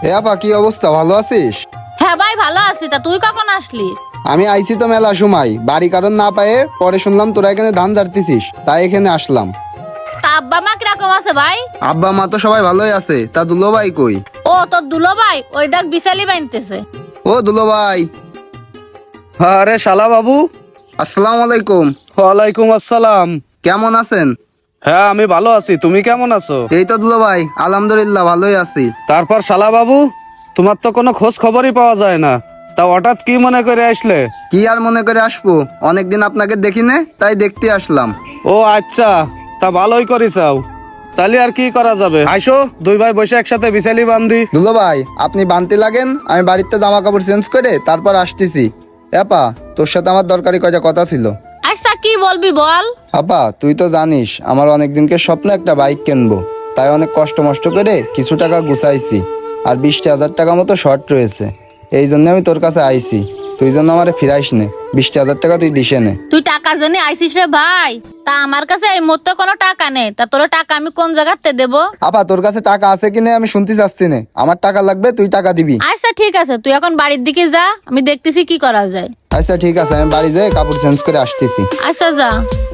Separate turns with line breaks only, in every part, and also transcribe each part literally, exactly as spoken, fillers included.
এ আপা, কি অবস্থা? ভালো আছিস?
হ্যাঁ ভাই ভালো আছি। তা তুই কখন আসলি?
আমি আইছি তো মেলা সময়, বাড়ি কারণ না পায়ে পরে শুনলাম তোরা এখানে ধান ঝাড়তেছিস, তাই এখানে আসলাম।
তা আব্বা মা কিরকম আছে ভাই?
আব্বা মা তো সবাই ভালোই আছে, তা দুলো ভাই কই?
ও তোর দুলো ভাই ওই দেখ বিশালি বানতেছে।
ও দুলো ভাই,
আরে শালা বাবু।
আসসালামু আলাইকুম।
ওয়ালাইকুম আসসালাম।
কেমন আছেন?
হ্যাঁ আমি ভালো আছি, তুমি কেমন আছো?
এই তো দুলো ভাই, আলহামদুলিল্লাহ ভালোই আছি।
তারপর শালা বাবু, তোমার তো কোনো খোঁজ খবরই পাওয়া যায় না, তা হঠাৎ কি মনে করে আসলে?
কি আর মনে করে আসবো, অনেকদিন আপনাকে দেখি নে, তাই দেখতে আসলাম।
ও আচ্ছা, তা ভালোই করিসাও। তাহলে আর কি করা যাবে, আইসো দুই ভাই বসে একসাথে বিছালি বান্ধি।
দুলো ভাই, আপনি বানতে লাগেন, আমি বাড়িতে জামা কাপড় চেঞ্জ করে তারপর আসতেছি। আপা, তোর সাথে আমার দরকারি কয়টা কথা ছিল।
আচ্ছা কি বলবি বল।
আপা, তুই তো জানিস আমার অনেক দিনকে স্বপ্ন একটা বাইক কিনবো, তাই অনেক কষ্ট মষ্ট করে কিছু টাকা গুছাইছি, আর বিশটা হাজার টাকা মতো শর্ট রয়েছে। এই জন্য আমি তোর কাছে আইছি, তুই জন্য আমার ফিরাইস নে, বিশটা হাজার টাকা তুই দিসে নে।
তুই টাকার জন্য আইসিস রে ভাই? তা আমার কাছে এই মুহূর্তে কোনো টাকা নেই, তা তোর টাকা আমি কোন জায়গাতে দেবো?
আপা, তোর কাছে টাকা আছে কিনা আমি শুনতে চাচ্ছি না, আমার টাকা লাগবে, তুই টাকা দিবি।
আচ্ছা ঠিক আছে, তুই এখন বাড়ির দিকে যা, আমি দেখতেছি কি করা যায়।
আচ্ছা ঠিক আছে, আমি বাড়ি যেয়ে কাপড় চেঞ্জ করে আসতেছি।
আচ্ছা যা।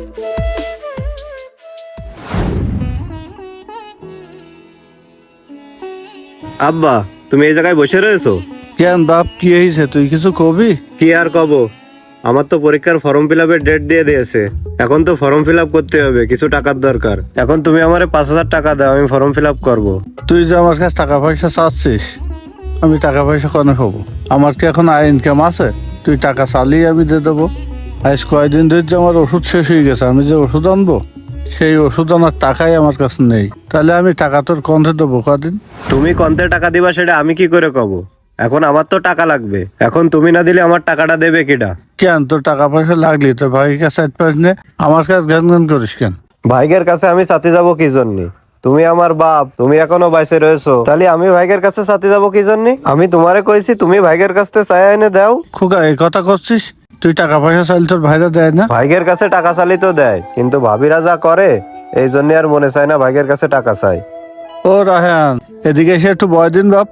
আব্বা, তুমি এই জায়গায় বসে রয়েছো
কেন বাপ, কি হয়েছে? তুই কিছু কবি?
কি আর কব, আমার তো পরীক্ষার ফর্ম ফিল আপের ডেট দিয়ে দিয়েছে। এখন তো ফর্ম ফিল আপ করতে হবে, কিছু টাকার দরকার। এখন তুমি আমারে পাঁচ হাজার টাকা দাও, আমি ফর্ম ফিল আপ করবো।
তুই যে আমার কাছে টাকা পয়সা চাচ্ছিস, আমি টাকা পয়সা কনে হবো? আমার কি এখন আয় ইনকাম আছে? তুই টাকা চালিয়ে আমি দিয়ে দেবো। আজ কয়দিন ধরে যে আমার ওষুধ শেষ হয়ে গেছে, আমি যে ওষুধ আনবো সেই ওষুধ আনার টাকাই আমার কাছে নেই। তাহলে আমি টাকা তোর কন্ধে দেবো কদিন?
তুমি কন্তে টাকা দিবা সেটা আমি কি করে কব? এখন আমার তো টাকা লাগবে, এখন তুমি না দিলে আমার টাকাটা দেবে কিটা?
কেন তোর টাকা পয়সা লাগলি তো ভাইয়ের কাছে এক পাস নে, আমার কাছে গান গান করিস কেন?
ভাইগের কাছে আমি সাথে যাব কি জন্য? তুমি আমার বাপ, তুমি এখনো বাইসে রয়েছো, তাহলে আমি ভাইগের কাছে সাথে যাব কি জন্য? আমি তোমারে কইছি তুমি ভাইগের কাছে চাই এনে দাও।
খোকা, এই কথা করছিস? তুই টাকা পয়সা চাইলে তোর ভাইরা দেয় না?
ভাইগের কাছে টাকা চালি তো দেয়, কিন্তু ভাবিরা যা করে এই জন্য আর মনে চায় না ভাইগের কাছে টাকা চাই।
ও রাহান, এদিকে এসে একটু বয় দিন বাপ।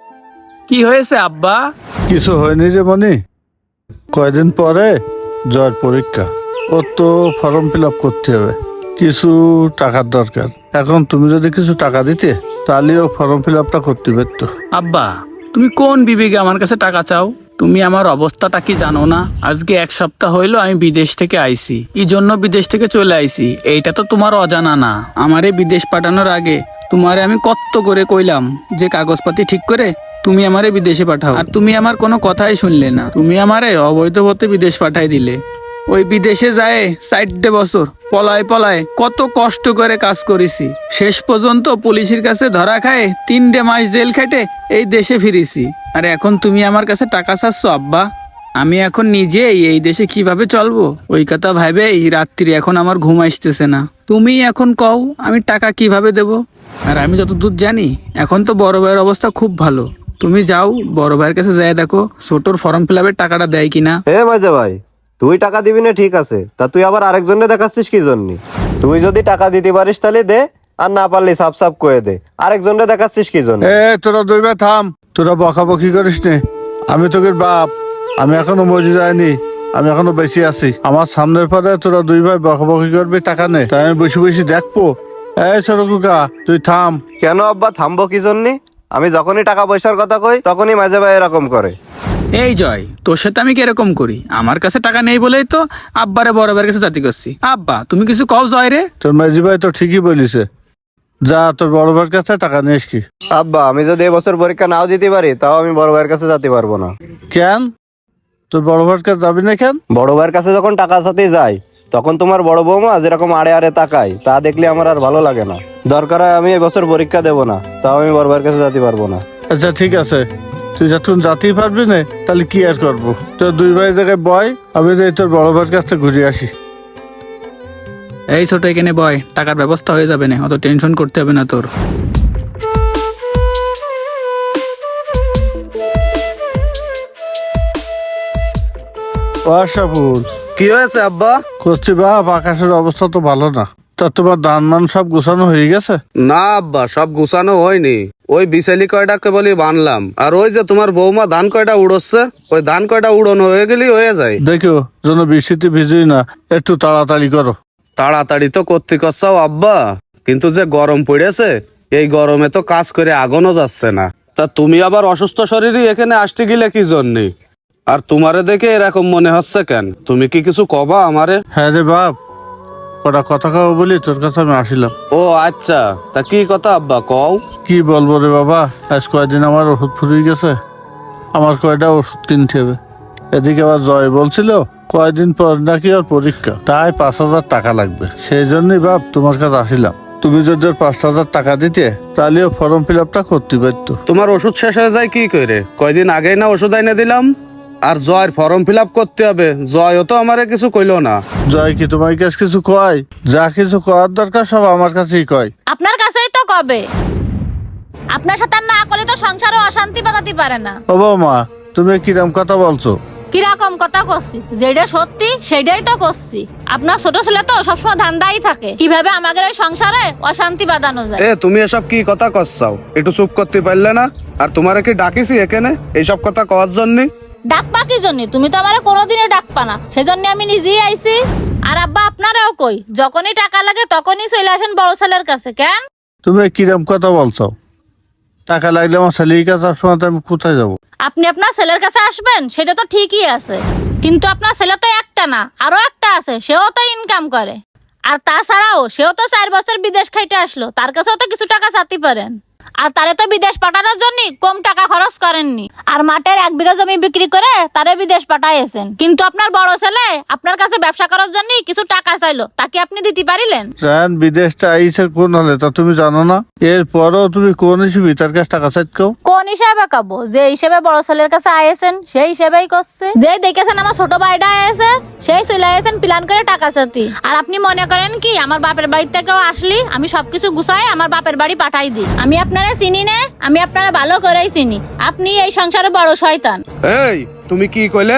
কি হয়েছে আব্বা?
কিছু হয়নি রে মনি, কয়দিন পরে জয়ের পরীক্ষা, ও তো ফর্ম ফিল আপ করতে হবে, কিছু টাকার দরকার। এখন তুমি যদি কিছু টাকা দিতে তাহলে ও ফর্ম ফিল আপটা করতে পারতো।
আব্বা, তুমি কোন বিবেকে আমার কাছে টাকা চাও? তুমি আমার অবস্থাটা কি জানো না? আজকে এক সপ্তাহ হইলো আমি বিদেশ থেকে আইছি। কি জন্য বিদেশ থেকে চলে আইছি এইটা তো তোমার অজানা না। আমারে বিদেশ পাঠানোর আগে তোমারে আমি কত করে কইলাম যে কাগজপাতি ঠিক করে তুমি আমারে বিদেশে পাঠাও, আর তুমি আমার কোনো কথাই শুনলে না। তুমি আমারে অবৈধ পথে বিদেশ পাঠাই দিলে। ওই বিদেশে যায় চারটে বছর পলায় পলায় কত কষ্ট করে কাজ করেছি, শেষ পর্যন্ত পুলিশের কাছে ধরা খায় তিনটে মাস জেল খেটে এই দেশে ফিরেছি। আর এখন তুমি আমার কাছে টাকা চাচ্ছ আব্বা? আমি এখন নিজেই এই দেশে কিভাবে চলবো ওই কথা ভাবেই রাত্রি এখন আমার ঘুম আসতেছে না। তুমি এখন কও আমি টাকা কিভাবে দেব? আর আমি যতদূর জানি এখন তো বড় ভাইয়ের অবস্থা খুব ভালো। তুমি যাও বড় ভাইয়ের কাছে যাই দেখো ছোটর ফর্ম ফিল আপের টাকাটা দেয় কিনা।
হে মাঝে ভাই, তুই টাকা দিবি না ঠিক আছে, তা তুই আবার আরেকজনে দেখাচ্ছিস কি জন্য? তুই যদি টাকা দিতে পারিস তাহলে দে, আর না পারলে সাপ সাপ করে দে। আরেকজনে দেখাচ্ছিস কি জন্য?
এ তোরা দুই ভাই থাম, তোরা বকাবকি করিস নে। আমি তোকে বাপ, আমি এখনো মরে যাইনি, আমি এখনো বেশি আছি। আমার সামনের পরে তোরা দুই ভাই বকাবকি করবি টাকা নে, তাই আমি বসে বসে দেখবো? এই ছোট কুকা, তুই থাম।
কেন আব্বা থামবো কি জন্য? আমি যখনই টাকা পয়সার কথা কই তখনই মাঝে ভাই এরকম করে।
এই জয়, তোর সাথে আমি কিরকম করি? আমার কাছে টাকা নেই বলেই তো আব্বারে বড় ভাইয়ের কাছে জাতি করছি। আব্বা তুমি কিছু কও জয় রে।
তোর মাঝি ভাই তো ঠিকই বলিছে, যা তোর বড় ভাইয়ের কাছে টাকা নিয়ে আসকি।
আব্বা, আমি যদি এবছর পরীক্ষা নাও দিতে পারি তাও আমি বড় ভাইয়ের কাছে যেতে পারবো না।
কেন তোর বড় ভাইয়ের কাছে যাবি না কেন?
বড় ভাইয়ের কাছে যখন টাকা সাথে যাই তখন তোমার বড় বৌমা যেরকম আড়ে আড়ে তাকায় তা দেখলে আমার আর ভালো লাগে না। দরকার হয় আমি এবছর পরীক্ষা দেবো না, তাও আমি বড় ভাইয়ের কাছে যেতে পারবো না।
আচ্ছা ঠিক আছে, তুই যখন যাতেই পারবি না তাহলে কি আর করবো? তোর দুই ভাই জায়গায় বয়, আমি যাই তোর বড় ভাইয়ের কাছ থেকে ঘুরে আসি।
এই ছোট এখানে বয়, টাকার ব্যবস্থা হয়ে যাবে না, অত টেনশন করতে হবে না তোর।
আশাফুল,
কি হয়েছে আব্বা?
করছি বাপ, আকাশের অবস্থা তো ভালো না। তা তোমার ধান মান সব গোছানো হয়ে গেছে?
না আব্বা, সব গুছানো হয়নি। ওই বিশালি কয়টাকে বলি বানলাম, আর ওই যে তোমার বৌমা ধান কয়টা উড়োচ্ছে, ওই ধান কয়টা উড়োনো হয়ে গেলি হয়ে যায়।
দেখো যেন বৃষ্টিতে ভিজুই না, একটু তাড়াতাড়ি করো।
তাড়াতাড়ি তো করতে করছাও আব্বা, কিন্তু যে গরম পড়েছে এই গরমে তো কাজ করে আগুনও যাচ্ছে না। তা তুমি আবার অসুস্থ শরীরই এখানে আসতে গেলে কি জন্যে? আর তোমারে দেখে এরকম মনে হচ্ছে কেন? তুমি কি কিছু কবা আমারে?
হ্যাঁ রে বাপ, কটা কথা খাবো বলি তোর কাছে আমি আসিলাম।
ও আচ্ছা, তা কি কথা আব্বা কও?
কি বলবো রে বাবা, আজ কয়দিন আমার ওষুধ ফুরিয়ে গেছে, আমার কয়টা ওষুধ কিনতে হবে। এদিকে আবার জয় বলছিল কয়দিন পর নাকি ওর পরীক্ষা, তাই পাঁচ হাজার টাকা লাগবে। সেই জন্যই বাপ তোমার কাছে আসিলাম। তুমি যদি ওর পাঁচ হাজার টাকা দিতে তাহলে ও ফর্ম ফিল আপটা করতে পারতো।
তোমার ওষুধ শেষ হয়ে যায় কি করে? কয়দিন আগেই না ওষুধ এনে দিলাম। আর জয়ের ফর্ম ফিল আপ করতে হবে, জয়ও তো আমারে কিছু কইলো না।
জয় কি তোমার কাছে কিছু কয়? যা কিছু করার দরকার সব আমার কাছেই কয়।
আপনার কাছেই তো কবে। আপনার সাথে আর না করলে তো সংসারে অশান্তি বাঁধাতে পারে না।
ও বৌমা, তুমি কিরম কথা বলছো?
কিরকম কথা করছি? যেটা সত্যি সেটাই তো করছি। আপনার ছোট ছেলে তো সবসময় ধান্দাই থাকে কিভাবে আমাদের এই সংসারে অশান্তি বাঁধানো যায়।
এ তুমি এসব কি কথা কচ্ছাও? একটু চুপ করতে পারলে না? আর তোমারে কি ডাকিছি এখানে এইসব কথা কওয়ার জন্য?
ডাকপা কি জন্য? তুমি তো আমার কোনোদিনই ডাকপা না, সেজন্য আমি নিজেই আইছি। আর আব্বা আপনারাও কই, যখনই টাকা লাগে তখনই চলে আসেন বড় ছেলের কাছে। কেন?
তুমি কিরম কথা বলছো? টাকা লাগলে আমার ছেলের কাছে সবসময় তো আমি কোথায় যাবো?
আপনি আপনার ছেলের কাছে আসবেন সেটা তো ঠিকই আছে, কিন্তু আপনার ছেলে তো একটা না, আরো একটা আছে, সেও তো ইনকাম করে। আর তাছাড়াও সেও তো চার বছর বিদেশ খাইতে আসলো, তার কাছেও তো কিছু টাকা চাইতে পারেন। আর তারে তো বিদেশ পাঠানোর জন্য কম টাকা খরচ করেননি। আর মাঠের এক বিঘা জমি বিক্রি করে তারে বিদেশ পাঠাইছেন। কিন্তু আপনার বড় ছেলে আপনার কাছে ব্যবসা করার জন্য কিছু টাকা চাইলো, তাকে আপনি দিতে পারিলেন?
জান বিদেশটা আইসে কোন হলে তা তুমি জানো না? এরপরও তুমি কোন হিসেবে তার কাছে টাকা চাইছো?
কোন হিসাবে কাবো? যে হিসেবে বড় ছেলের কাছে আয়েছেন সেই হিসেবেই করছে। যে দেখেছেন আমার ছোট ভাইটা আয়েছে সেই চলে আয়েছেন প্ল্যান করে টাকা চাতি। আর আপনি মনে করেন কি আমার বাপের বাড়ি থেকেও আসলি আমি সবকিছু গুছাই আমার বাপের বাড়ি পাঠাই দিই? আমি আপনারা চিনি না, আমি আপনারা ভালো করেই চিনি। আপনি এই সংসারে বড় শয়তান।
এই তুমি কি কইলে?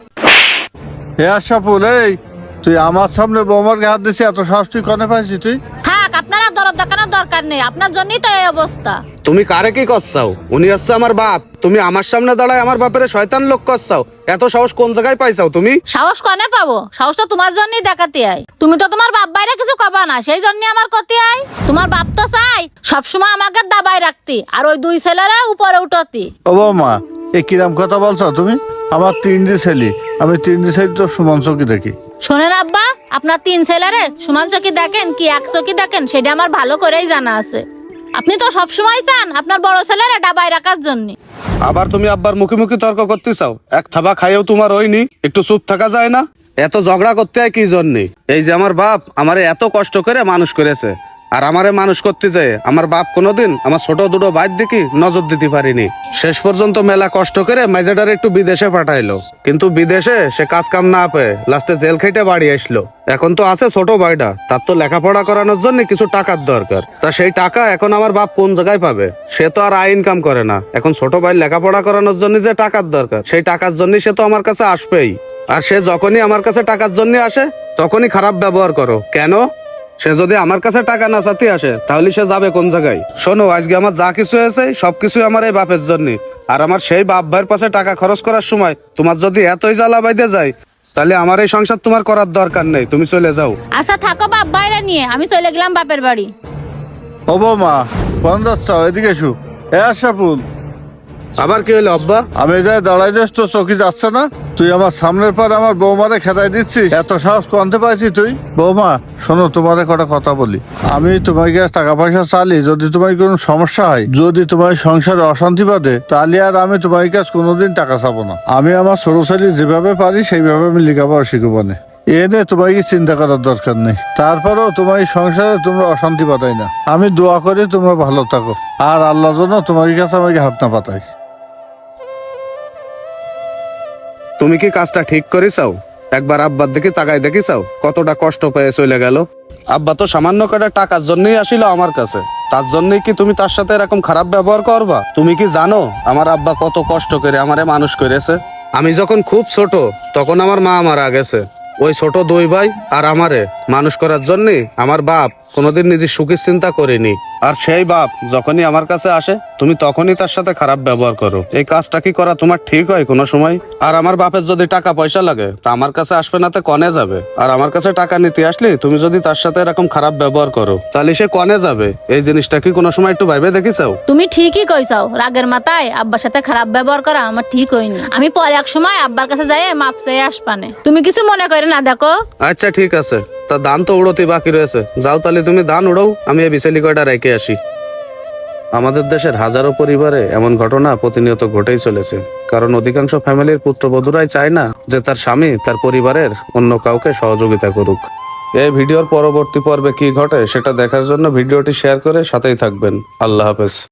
হে আশাফুল, এই তুই আমার সামনে বৌমার হাত দিছি, এত সাহস তুই কনে পাইছি তুই?
থাক, আপনারা দরদ দেখানোর দরকার নেই, আপনার জন্যই তো এই অবস্থা।
তুমি কারে কি করছাও? উনি হচ্ছে আমার বাপ, তুমি আমার সামনে দাঁড়ায় আমার বাপের শয়তান লোক করছাও। এত সাহস কোন জায়গায় পাইছাও তুমি?
সাহস কনে পাবো? সাহস তো তোমার জন্যই দেখাতে আই। তুমি তো তোমার বাপ বাইরে কিছু কবা না, সেই জন্য আমার করতে আই। তোমার বাপ তো চাই সবসময় আমাকে দাবাই রাখতি আর ওই দুই ছেলেরা উপরে উঠতি।
ও বৌমা, এ কিরম কথা বলছো তুমি? আমার তিনটি ছেলে, আমি তিনটি ছেলে তো সমান চোখে দেখি।
শোনেন আব্বা, আপনার তিন ছেলেরে সমান চোখে দেখেন কি এক চোখে দেখেন সেটা আমার ভালো করেই জানা আছে। আপনি তো সবসময় চান আপনার বড় ছেলেরা ডাবাই রাখার জন্য।
আবার তুমি আব্বার মুখে মুখে তর্ক করতে চাও? এক থাবা খাইও তোমার হয়নি, একটু চুপ থাকা যায় না? এত ঝগড়া করতে হয় কি জন্যে? এই যে আমার বাপ আমারে এত কষ্ট করে মানুষ করেছে, আর আমারে মানুষ করতে যায় আমার বাপ কোনোদিন আমার ছোট দুটো ভাইয়ের দিকে নজর দিতে পারিনি। শেষ পর্যন্ত মেলা কষ্ট করে মেজেডার একটু বিদেশে পাঠাইলো, কিন্তু বিদেশে সে কাজ কাম না পেয়ে লাস্টে জেল খেটে বাড়ি আসলো। এখন তো আছে ছোট ভাইটা, তার তো লেখাপড়া করানোর জন্য কিছু টাকার দরকার। তা সেই টাকা এখন আমার বাপ কোন জায়গায় পাবে? সে তো আর আয় ইনকাম করে না। এখন ছোট ভাই লেখাপড়া করানোর জন্য যে টাকার দরকার, সেই টাকার জন্য সে তো আমার কাছে আসবেই। আর সে যখনই আমার কাছে টাকার জন্য আসে তখনই খারাপ ব্যবহার করো কেন? সে যদি আমার কাছে টাকা না চাতে আসে তাহলে সে যাবে কোন জায়গায়? শোনো, আজকে আমার যা কিছু হয়েছে সবকিছু আমার এই বাপের জন্য। আর আমার সেই বাপ ভাইয়ের পাশে টাকা খরচ করার সময় তোমার যদি এতই জ্বালা বাইতে যায় তাহলে আমার এই সংসার তোমার করার দরকার নেই, তুমি চলে যাও।
আচ্ছা থাকো বাপ বাইরে নিয়ে, আমি চলে গেলাম বাপের বাড়ি।
ও বৌমা, কোন যাচ্ছ? এদিকে এসো। হে আশাফুল,
আবার কি হলো আব্বা?
আমি যাই দাঁড়াই দিস তো চকি যাচ্ছে না? তুই আমার সামনের পর আমার বৌমারে খেদাই দিচ্ছিস, এত সাহস কনতে পাইছি তুই? বৌমা শোনো, তোমার কটা কথা বলি। আমি তোমার কাছে টাকা পয়সা চালি যদি তোমার কোনো সমস্যা হয়, যদি তোমার সংসারে অশান্তি বাঁধে, তাহলে আর আমি তোমার কাছে কোনোদিন টাকা চাবো না। আমি আমার ছোট ছেলে যেভাবে পারি সেইভাবে আমি লেখাপড়া শিখবো না। এ নিয়ে তোমার কি চিন্তা করার দরকার নেই। তারপরেও তোমার এই সংসারে তোমরা অশান্তি পাতাই না। আমি দোয়া করি তোমরা ভালো থাকো, আর আল্লাহ যেন তোমার কাছে আমাকে হাত না পাতাই।
তুমি কি কাজটা ঠিক করেছাও? একবার আব্বার দিকে তাকাই দেখিছাও কতটা কষ্ট পেয়ে চলে গেল? আব্বা তো সামান্য কটা টাকার জন্যই আসিল আমার কাছে, তার জন্যই কি তুমি তার সাথে এরকম খারাপ ব্যবহার করবা? তুমি কি জানো আমার আব্বা কত কষ্ট করে আমারে মানুষ করেছে? আমি যখন খুব ছোট তখন আমার মা মারা গেছে, ওই ছোট দুই ভাই আর আমারে মানুষ করার জন্য আমার বাপ কোনোদিন নিজের সুখের চিন্তা করেনি। আর সেই বাপ যখনই আমার কাছে আসে তুমি তখনই তার সাথে খারাপ ব্যবহার করো। এই কাজটা কি করা তোমার ঠিক হয় কোনো সময়? আর আমার বাপের যদি টাকা পয়সা লাগে তা আমার কাছে আসবে না, তো কনে যাবে? আর আমার কাছে টাকা নিতে আসলে তুমি যদি তার সাথে এরকম খারাপ ব্যবহার করো তাহলে সে কনে যাবে? এই জিনিসটা কি কোনো সময় একটু ভাইবে দেখিসাও?
তুমি ঠিকই কইছাও, রাগের মাথায় আব্বার সাথে খারাপ ব্যবহার করা আমার ঠিক হয়নি। আমি পরে এক সময় আব্বার কাছে যাই মাপ চেয়ে আসবানে, তুমি কিছু মনে করে না দেখো।
আচ্ছা ঠিক আছে, তা ধান তো উড়োতে বাকি রয়েছে, যাও তাহলে তুমি ধান উড়াও, আমি এই বিছালি কয়টা রেখে আসি। আমাদের দেশের হাজারো পরিবারে এমন ঘটনা প্রতিনিয়ত ঘটেই চলেছে, কারণ অধিকাংশ ফ্যামিলির পুত্রবধূরাই চায় না যে তার স্বামী তার পরিবারের অন্য কাউকে সহযোগিতা করুক। এই ভিডিওর পরবর্তী পর্বে কি ঘটে সেটা দেখার জন্য ভিডিওটি শেয়ার করে সাথেই থাকবেন। আল্লাহ হাফেজ।